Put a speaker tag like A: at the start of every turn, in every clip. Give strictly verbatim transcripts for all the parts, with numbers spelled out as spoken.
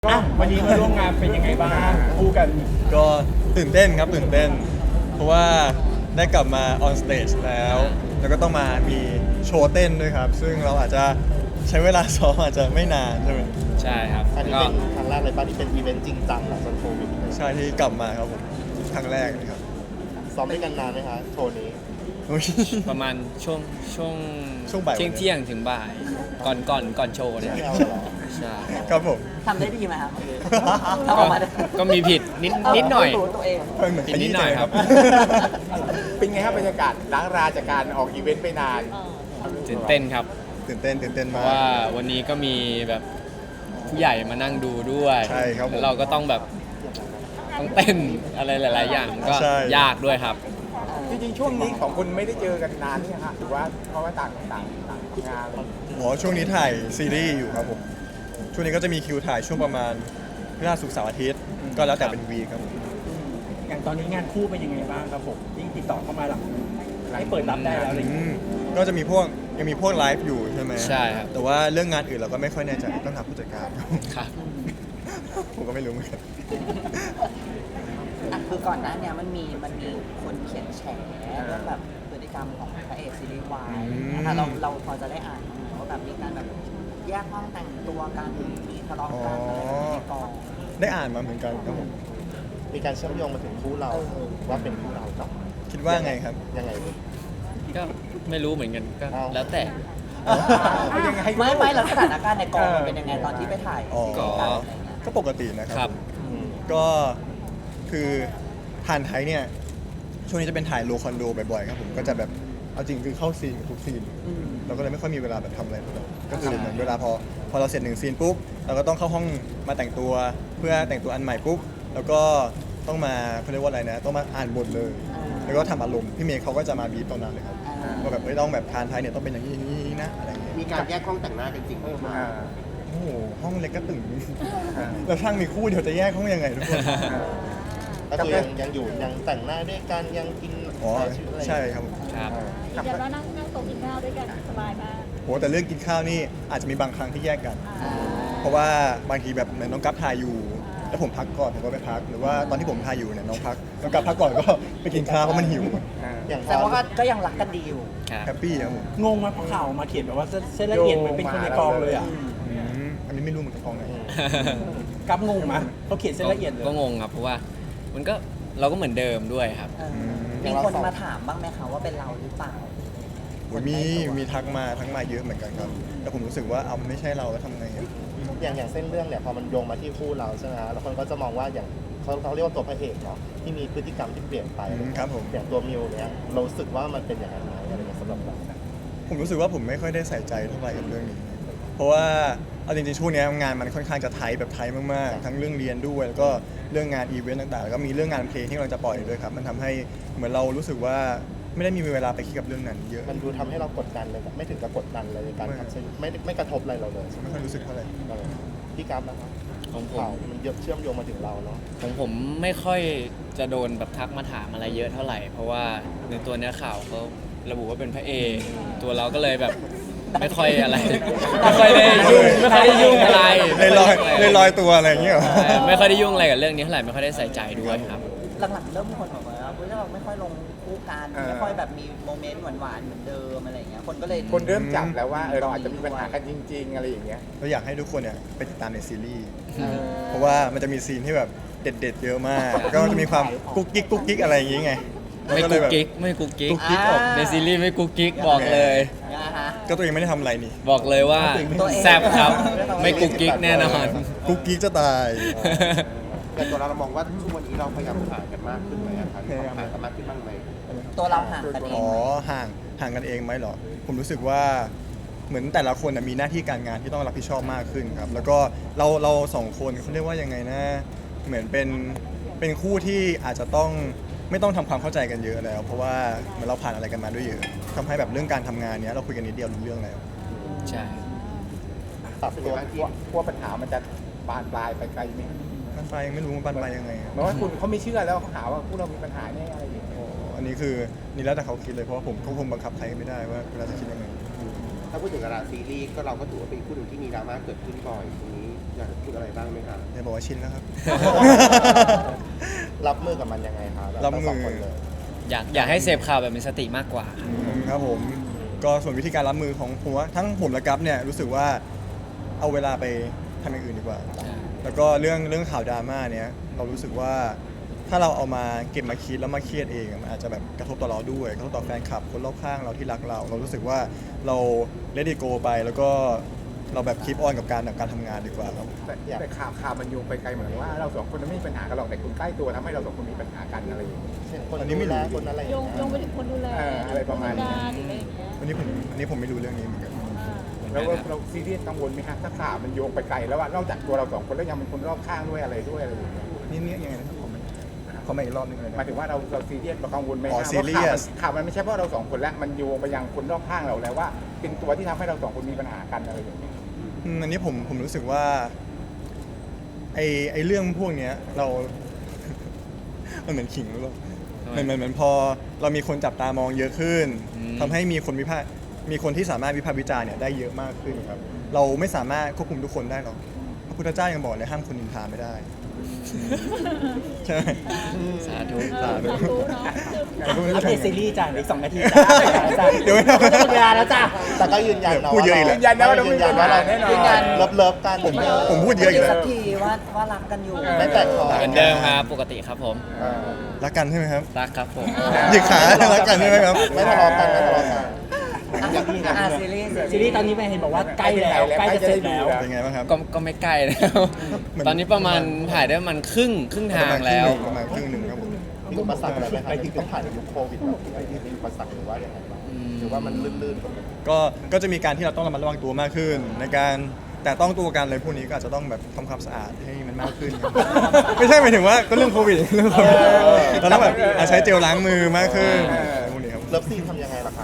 A: ก็วันนี้มาร่วมงานเป็นยังไงบ้างคู่กัน
B: ก็ตื่นเต้นครับตื่นเต้น เพราะว่าได้กลับมาออนสเตจแล้ว แล้วก็ต้องมามีโชว์เต้นด้วยครับ ซึ่งเราอาจจะใช้เวลาซ้อมอาจจะไม่นานใช่ไหม
C: ใช่ครับ
D: อันนี้
C: ก็
D: เป็นครั้งแรกเลยป่ะที่เป็นอีเวนต์จริงจังหลังจากโควิดเลย
B: ใช่ที่กลับมาครับผมครั้งแรกนะครับ
D: ซ้อมด้วยกันนานไหมคะโชว์นี้
B: อุ๊ย
C: ประมาณช่วงช่วง
B: ช่วงบ่าย
C: เที่ยงเที่ยงถึงบ่าย ก่อนก่อนก่อนโชว์เนี่ย
D: ไม่เอาเหรอ
C: ใช่
B: ครับผม
E: ทำได้ดีไหมครับ
C: ก็
E: ทำออกมาได้
C: ก็มีผิดนิดนิดหน่อย
E: รู้ตัวเอง
B: เหมือนข
C: นิ
B: ยี้
C: ดห
B: ใจ
C: น่อย
B: ค
C: ครั
B: รับ
C: บ
A: เป็นไงครับบรรยากาศล้างราจากการออกอีเวนต์ไปนาน
C: ตื่นเต้นครับ
B: ตื่นเต้นตื่นเต้น
C: เพ
B: มา
C: ราะ
B: ก
C: ว่าวันนี้ก็มีแบบผู้ใหญ่มานั่งดูด้วย
B: ใช่ครับผม
C: แล้วเราก็ต้องแบบต้องเต้นอะไรหลาย ๆ อย่างก็
B: ใช่
C: ยากด้วยครับ
A: จริงๆช่วงนี้ของคุณไม่ได้เจอกันนานนี่ฮะหรือว่าเพราะว่าต่างต่างต่างงาน
B: หมอช่วงนี้ถ่ายซีรีส์อยู่ครับผม ช่วงนี้ก็จะมีคิวถ่ายช่วงประมาณพฤหัสศุกร์เสาร์อาทิตย์ ก็แล้วแต่เป็นวีคครับผม
A: อย่างตอนนี้งานคู่เป็นยังไงบ้างครับผมยิ่งติดต่อเข้ามาหลังหลังเปิดรับได้แล้วอะไรอย่าง
B: อื
A: เงี้ย
B: มก็จะมีพวกยังมีพวกไลฟ์อยู่ใช่ไหม
C: ใช่ครับ
B: แต่ว่าเรื่องงานอื่นเราก็ไม่ค่อยแน่ใจต้องถามผู้จัดการ
C: ครับ
B: ผมก็ไม่รู้เหมือนกัน
E: อ่ะคือก่อนหน้าเนี้ยมันมีมันมีคนเขียนแฉเรื่องแบบพฤติกรรมของพระเอกซีรีส์วาย
B: อืม
E: นะคะเราเราพอจะได้อ่านบ้างไหมว่าแบบมีการแบบแยกห้องแต่งตัวกันมีทะเลาะกันอะไรแบบนี้ในกอง
B: ได้อ่านมาเหมือนกันครับผม
D: มีการเชื่อมโยงมาถึงคู่เราว่าเป็นคู่เรากับ
B: คิดว่าไงครับ
D: ยังไงดี
C: ก็ไม่รู้เหมือนกันก็
D: เอา
C: แล้วแต่
A: เป็นยังไง
E: ไม่ไม่แล้วสถานการณ์ในกองมันเป็นยังไงตอนที่ไปถ่าย
B: อ๋อ
E: ซีรีส์กันอะไรเงี้ย
B: ก็ปกตินะค
C: ครั
B: รับ
D: อืม
B: ก็คือทานไทยเนี่ย ช่วงนี้จะเป็นถ่ายโลคอนโดบ่อยๆครับผม ก็จะแบบ เอาจริงคือเข้าซีนกับทุกซีน
E: อืม
B: เราก็เลยไม่ค่อยมีเวลาแบบทำอะไรเลยก็คือเหมือนเวลาพอพอเราเสร็จหนึ่งซีนปุ๊บ เราก็ต้องเข้าห้องมาแต่งตัว เพื่อแต่งตัวอันใหม่ปุ๊บ แล้วก็ต้องมาเขาเรียกว่าอะไรนะ ต้องมาอ่านบทเลย แล้วก็ทำอารมณ์ พี่เมย์เขาก็จะมาบีบตรงนั้นเลยครับ
E: อ่า
B: ว่าแบบไม่ต้องแบบทานไทยเนี่ยต้องเป็นอย่างนี้อย่างนี้นะอะไรอย่างเงี้ย
D: มีการแยกห้องแต่งหน้ากันจริงไหม
A: อ่า
B: โอ้โห ห้องเล็กก็ตึง แล้วช่างมีคู่เดี๋ยวจะแยกห้องยังไงทุกคน
D: ก็คือยังยังอยู่ยังแต่งหน้าด้วยกันยังกิน
B: อ๋อ
D: ใช้ชีวิตอะไร
B: ใช่ครับผม
C: ครับ
F: ยืนยันว่านั่งนั่งโต๊ะกินข้าวด้วยกันสบายมาก
B: โหแต่เรื่องกินข้าวนี่อาจจะมีบางครั้งที่แยกกัน
E: อ่า
B: เพราะว่าบางทีแบบเหมือนน้องกัฟถ่ายอยู่ แล้วผมพักก่อนผมก็ไปพัก หรือว่าตอนที่ผมถ่ายอยู่เนี่ยน้องพักน้องกัฟพักก่อนก็ไปกินข้าวเพราะมันหิว
D: อย่างพ
E: แต่
D: อ
E: ว่าก็ก็ยังรักกันดีอยู่
C: ครับ
B: แฮปปี้ครับผม
A: งงไหมเพราะข่าวมาเขียนแบบว่าเส้นละเอียดเหมือนเป็นคนในกองเลยอ่ะ
B: อืมอันนี้ไม่รู้เหมือนกันกองไหน
A: กับงงไหมเขาเขียนเส้นละเอียดเลย
C: ก็งงครับเพราะว่ามันก็เราก็เหมือนเดิมด้วยครับ
E: เออมีคนมาถามบ้างไหมคะว่าเป็นเราหรือเปล่า
B: โอ้ยมีมีทักมาทักมาเยอะเหมือนกันครับ แต่ผมรู้สึกว่าเอามันไม่ใช่เราแล้วทำไงอะ
D: อย่างอย่างเส้นเรื่องเนี่ยพอมันโยงมาที่คู่เราใช่ไหมฮะแล้วคนก็จะมองว่าอย่างเขาเขาเรียกว่าตัวพระเอกเนาะที่มีพฤติกรรมที่เปลี่ยนไป
B: อืมครับผม
D: อย่างตัวมิวเนี่ยเรารู้สึกว่ามันเป็นอย่างนั้นไหมอะไรเงี้ยสำหรับเรา
B: ผมรู้สึกว่าผมไม่ค่อยได้ใส่ใจเท่าไหร่กับเรื่องนี้ เพราะว่าเอาจริงๆช่วงนี้งานมันค่อนข้างจะไทยแบบไทยมากๆ ทั้งเรื่องเรียนด้วยแล้วก็เรื่องงานอีเวนต์ต่างๆแล้วก็มีเรื่องงานเพลงที่เราจะปล่อยด้วยครับ มันทำให้เหมือนเรารู้สึกว่าไม่ได้มีเวลาไปคิดกับเรื่องนั้นเยอะ
D: มันดูทำให้เรากดดันเลยแบบไม่ถึงกับกดดันเลยในการ
B: ไม่
D: ทำเส้นไม่ไม่กระทบอะไรเราเลย
B: ไม่ค่อยรู้สึกเท่าไหร่
D: เออพี่กราฟนะครับ
C: ของผม
D: ข่าวมันเยอะเชื่อมโยงมาถึงเราเนาะ
C: ของผมไม่ค่อยจะโดนแบบทักมาถามอะไรเยอะเท่าไหร่ เพราะว่าในตัวเนื้อข่าวเขาระบุว่าเป็นพระเอกตัวเราก็เลยแบบไม่ค่อยอะไร ไม่ค่อยได้ยุ่งไม่ค่อยได้ยุ่งอะไร
B: เลยลอยเลยลอยตัวอะไรอย่างเงี้ยเหรอ
C: ใช่ไม่ค่อยได้ยุ่งอะไรกับเรื่องนี้เท่าไหร่ไม่ค่อยได้ใส่ใจด้วยครับ
E: หลังๆเริ่มมีคนบอกว่าเฮ้ยเราไม่ค่อยลงคู่กันไม่ค่อยแบบมีโมเมนต์หวานๆเหมือนเดิมอะไรอย่างเงี้ยคนก็เลย
A: คนเริ่มจับแล้วว่าเออเราอาจจะมีปัญหากันจริง ๆ อะไรอย่างเงี้ย
B: เราอยากให้ทุกคนเนี่ยไปติดตามในซีรีส์
E: เออ
B: เพราะว่ามันจะมีซีนที่แบบเด็ดๆเยอะมากแล้วก็มันจะมีความกุ๊กกิ๊กกุ๊กกิ๊กอะไรอย่างงี้ไง
C: ไม่
B: ก็เล
C: กุ๊
B: ย
C: ก
B: แบบ
C: กิ๊กไม่กุ๊กกิ๊ก
B: กุ๊กกิ๊กออก
C: ในซีรีส์ไม่กุ๊กกิ๊กบอกเลย
E: นะฮะ
B: ก็ตัวเองไม่ได้ทำอะไรนี่
C: บอกเลยว่า
E: ตัวเอง
C: แซ่บครับ ไม่กุ๊กกิ๊กแน่นอน
B: กุ๊กกิ๊กจะตาย
G: แต่ตัวเราเรามองว่าทุกวันนี้เราพยายามห่างกันมากขึ้นไหมอะครับมีความห่างกันมากขึ้นบ้างไหม
E: ตัวเราห่างกันเอง
B: อ๋อ
E: ไหม
B: ห่างห่างกันเองไหมเหรอ ผมรู้สึกว่าเหมือนแต่ละคนน่ะมีหน้าที่การงานที่ต้องรับผิดชอบมากขึ้นครับ แล้วก็เราเราสองคนเขาเรียกว่ายังไงนะ เหมือนเป็นเป็นคู่ที่อาจจะต้องไม่ต้องทำความเข้าใจกันเยอะแล้ว เพราะว่าเหมือนเราผ่านอะไรกันมาด้วยเยอะทำให้แบบเรื่องการทำงานเนี้ยเราคุยกันนิดเดียวรู้เรื่องแล้ว
C: ใช่
D: ปรับ
A: เป็น
D: ตัว
A: ไงบ้างที่กลัวปัญหามันจะบานปลายไปไกลไหม
B: บันไปลายยังไม่รู้ว่าบันไปลายยังไงอะ
A: เพราะว่าคุณเขาไม่เชื่อแล้วเขาหาว่าพวกเรามีปัญหาแน่อะไรอย่างเงี้ย
B: อ๋ออันนี้คือนี่แล้วแต่เขาคิดเลยเพราะว่าผมก็คงบังคับใครไม่ได้ว่าเวลาจะคิดยังไง
G: ถ้าพูดถึงดาราซีรีส์ก็เราก็ถือว่าเป็นคู่หนึ่งที่มีดราม่าเกิดขึ้นบ่อยตรงนี้อยากจะพูดอะไรบ้างไหมคะ
B: อย่าบอกว่าชินแล้วครับ
D: รับมือกับมันยังไงคะแ
B: รับมือ
D: ทั้งสงคนเลย
C: อยากอยากให้เสพข่าวแบบมีสติมากกว่า
B: ครับผมก็ส่วนวิธีการรับมือของผมว่าทั้งผมและกัฟเนี่ยรู้สึกว่าเอาเวลาไปทำอย่างอื่นดีกว่า แล้วก็เรื่องเรื่องข่าวดราม่าเนี้ยเรารู้สึกว่าถ้าเราเอามาเก็บมาคิดแล้วมาเครียดเองมันอาจจะแบบกระทบต่อเราด้วยกระทบต่อแฟนคลับคนรอบข้างเราที่รักเรา เรารู้สึกว่าเราเลดี้โกไปแล้วก็เราแบบคีปออนกับการกับการทำงานดีกว่าครับ
H: แต่แต่ข่าวข่าวมันโยงไปไกลเหมือนว่าเราสองคนไม่มีปัญหากันหรอกแต่คนใกล้ตัวทำให้เราสองคนมีปัญหากันอะไรอย่างเงี้ย
D: เช่นคน
B: อันนี้ไม่
D: ดู
B: รู้
D: แลคนอะไรอย่าง
F: โยง
D: เงี้ย
F: โยงไปถึงคนดูแล
H: เอออะไรประมาณนี้
F: งานหรืออะไรอย่างเงี้ย
B: อันนี้ผมอันนี้ผมไม่รู้เรื่องนี้เหมือนกัน
F: อ่า
H: แล้วก็เราซีเรียสกังวลไหมฮะถ้าข่าวมันโยงไปไกลแล้วว่านอกจากตัวเราสองคนแล้วยังเป็นคนรอบข้างด้วยอะไรด้วยอะไรอย่างเงี้ย
B: นี่เนี่ยยังไงนะครับผมขอมาอีกรอบนึงเลย
H: หมาย
B: นะ
H: ถึงว่าเราเราซีเรียสเรากังวลไหม
B: อ๋อ
H: ฮะว่า
B: serious
H: ข่าวมันข่าวมันไม่ใช่เพราะเราสองคนแล้วมันโยงไปยังคนรอบข้างเราแล้วว่า เป็นตัวที่ทำให้เราสองคนมีปัญหากันอะไรอย่างเงี้ย
B: อืมอันนี้ผมผมรู้สึกว่าไอไอเรื่องพวกเนี้ยเรา มันเหมือนขิงหรือเปล่า
C: ทำไม
B: เหมือนเหมือนเหมือนพอเรามีคนจับตามองเยอะขึ้น
C: อืม
B: ทำให้มีคนวิพากษ์มีคนที่สามารถวิพากษ์วิจารณ์เนี่ยได้เยอะมากขึ้นครับ เราไม่สามารถควบคุมทุกคนได้หรอกพระพุทธเจ้ายังบอกเลยห้ามคนนินทาไม่ได้ ใช่ไหม
C: สาธุ
F: เออสาธุเนาะ
A: อัปเดตซีรีส์จ้ะอีกสองนาทีจ้ะ
B: เดี๋ยวไม่
A: หมดเวลาแล้วจ้ะ
D: แต่ก็ยืนยันเนาะ
B: พูดเยอะอีกแล้ว
H: ยืนยันนะว่าเราไม่
D: ยืนยันว่าเรา
H: มีปัญหาแน่นอน
D: ยืนยันเลิฟเลิฟกัน
B: ผมผมพูดเยอะอีกแล้ว
E: สักทีว่าว่ารักกันอยู่
D: ไม่แตกคอ
C: เหมือนเดิมครับปกติครับผม
D: เออ
B: รักกันใช่ไหมครับ
C: รักครับผม
B: หยิกขารักกันใช่ไหมครับ
D: ไม่ทะเลาะกันไม่ทะเลาะกัน
E: อ่ะซีรีส์
A: ซีรีส์ตอนนี้ไปเห็นบอกว่าใกล้แล้วใกล้จะเสร็จแล้ว
B: เป็นไงบ้างครับ
C: ก็ก็ไม่ใกล้แล้ว
B: เหมือน
C: ตอนนี้ประมาณถ่ายได้ประมาณครึ่งครึ่งทางแล้ว
B: ประมาณครึ่งหนึ่งครับผม
D: มีอุปสรรคอะไรไหมครับที่ต้องผ่านในยุคโควิดแบบนี้มีอุปสรรคหรือว่าอย่างไรบ้างหรือว่ามันลื่นๆกว่า
B: ก็ก็จะมีการที่เราต้องระมัดระวังตัวมากขึ้น ในการแต่ต้องตัวกันอะไรพวกนี้ก็อาจจะต้องแบบทำความสะอาดให้มันมากขึ้นครับ ไม่ใช่หมายถึงว่าก็เรื่องโควิดเรื่องโควิดเราต้องแบบอาจใช้เจลล้างมือมากขึ้นอะไรพวกนี้ครับ
D: เลิฟซีนทำยังไงล่ะคะ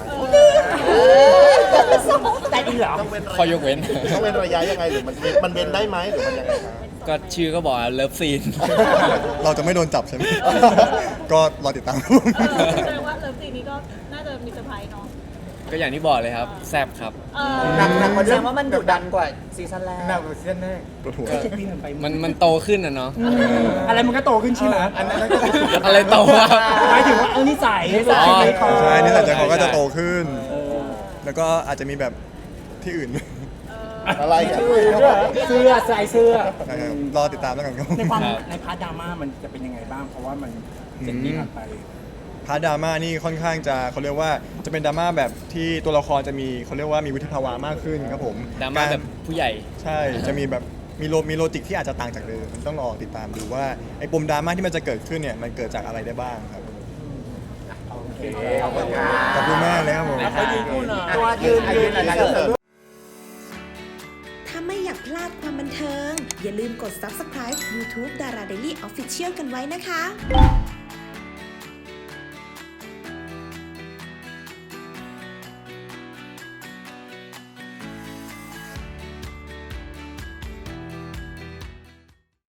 A: แต่อีกเหรอ
D: ต้องเว้นระ
C: ข้อยกเว้น
D: ต้องเว้นระยะยังไงหรือมันมันเว้นได้ไหมหรือมันยังไงคะ
C: ก็ชื่อก็บอกเลิฟซีน
B: เราจะไม่โดนจับใช่ไหม ก็รอติดตามครับผม
F: เออแสดงว่าเลิฟซีนนี้ก็น่าจะมีเซอร์ไพรส์เนาะ
C: ก็อย่างที่บอกเลยครับ แซบครับ
F: เออ
H: หนักหนักกว่า
E: แส
H: เดิ
E: ดงว่ามันดุดันกว่าซีซั่นแรก
H: หนักกว่าซีซั่นแรก
B: ปวดหัว
A: เจ็ดปีผ่านไป
C: มันมันโตขึ้นอ่ะเนาะ
A: อะไรมันก็โตขึ้นใช่ไหม
H: อันนั้นก็คือ
C: อะไรโตวะ
A: หมายถึงว่าเออนิสัยนิสัย
C: อ๋อ
A: ใจคอ
B: ใช่นี่แต่ใจเขาก็จะโตขึ้น
A: เออ
B: แล้วก็อาจจะมีแบบที่อื่น
D: อะไรอ่ะ
A: เสื้อใส่เสื้อ
B: นะครับรอติดตามแล้วกันครับ
A: ในความ
C: ครับ
A: ในพาร์ทดราม่ามันจะเป็นยังไงบ้าง เพราะว่ามันเจ็ดปีผ่านไป
B: พาร์ทดราม่านี่ค่อนข้างจะเขาเรียกว่าจะเป็นดราม่าแบบที่ตัวละครจะมีเขาเรียกว่ามีวุฒิภาวะมากขึ้นครับผม
C: ดราม่าแบบผู้ใหญ่
B: ใช่จะมีแบบมีโลมีโลจิกที่อาจจะต่างจากเดิมต้องรอติดตามดูว่าไอ้ปมดราม่าที่มันจะเกิดขึ้นเนี่ยมันเกิดจากอะไรได้บ้างครับ
H: โอเคขอบคุณครับ
B: ขอบคุณมากเลยครับผม
E: ตัวยืนยืน
H: อะไร
E: เสิร์ฟ
I: ถ้าไม่อยากพลาดความบันเทิง อย่าลืมกด ซับสไครบ์ ยูทูบ ดารา เดลี่ ออฟฟิเชียล กันไว้นะคะ